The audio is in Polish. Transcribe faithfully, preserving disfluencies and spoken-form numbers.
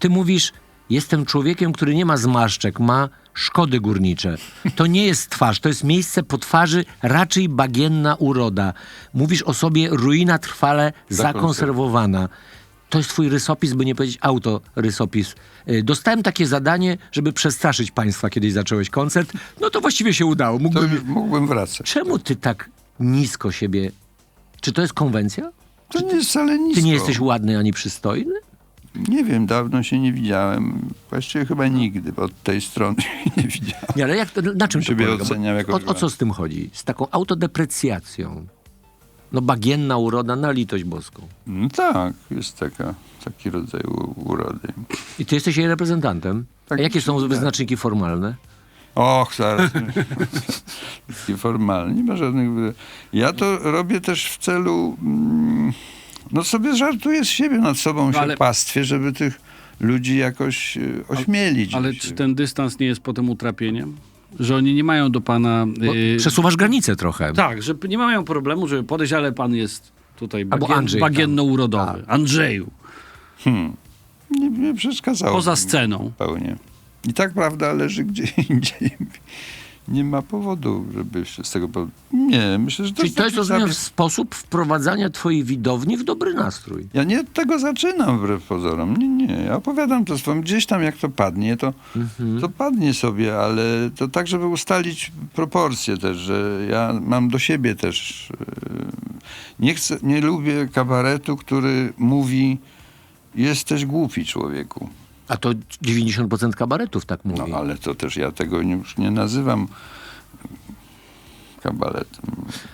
ty mówisz, jestem człowiekiem, który nie ma zmarszczek, ma szkody górnicze. To nie jest twarz, to jest miejsce po twarzy, raczej bagienna uroda. Mówisz o sobie ruina trwale zakonserwowana. To jest twój rysopis, by nie powiedzieć autorysopis. Y, Dostałem takie zadanie, żeby przestraszyć państwa, kiedyś zacząłeś koncert. No to właściwie się udało. To Mógłbym... już mógłbym wracać. Czemu ty tak nisko siebie... Czy to jest konwencja? To nie jest wcale nisko. Ty nie jesteś ładny ani przystojny? Nie wiem, dawno się nie widziałem. Właściwie chyba nigdy, bo od tej strony się nie widziałem. Nie, ale jak, na czym to Siebie polega? Bo oceniam jako o, o co z tym chodzi? Z taką autodeprecjacją. No bagienna uroda na litość boską. No tak, jest taka, taki rodzaj u- urody. I ty jesteś jej reprezentantem? Tak, A jakie są tak. wyznaczniki formalne? Och, zaraz. Taki formalny, nie ma żadnych... wy- Ja to robię też w celu... Mm, no sobie żartuję z siebie, nad sobą się ale- pastwię, żeby tych ludzi jakoś y, ośmielić. Ale czy ten dystans nie jest potem utrapieniem? Że oni nie mają do pana... Bo y, przesuwasz granicę trochę. tak, że nie mają problemu, żeby podejść, ale pan jest tutaj Albo bagien, Andrzej tam. bagienno-urodowy. Andrzeju. Nie, nie przeszkadzało. Poza mi sceną. Zupełnie. I tak prawda leży gdzie indziej. Nie ma powodu, żeby się z tego... powodu- Nie, myślę, że to Czyli jest to jest, taki rozumiem, zabieg- sposób wprowadzania twojej widowni w dobry nastrój. Ja nie od tego zaczynam wbrew pozorom. Nie, nie. Ja opowiadam to swoim. Gdzieś tam jak to padnie, to, to padnie sobie, ale to tak, żeby ustalić proporcje też, że ja mam do siebie też... yy, Nie chcę, nie lubię kabaretu, który mówi jesteś głupi, człowieku. A to dziewięćdziesiąt procent kabaretów tak mówi. No ale to też ja tego już nie nazywam kabaretem.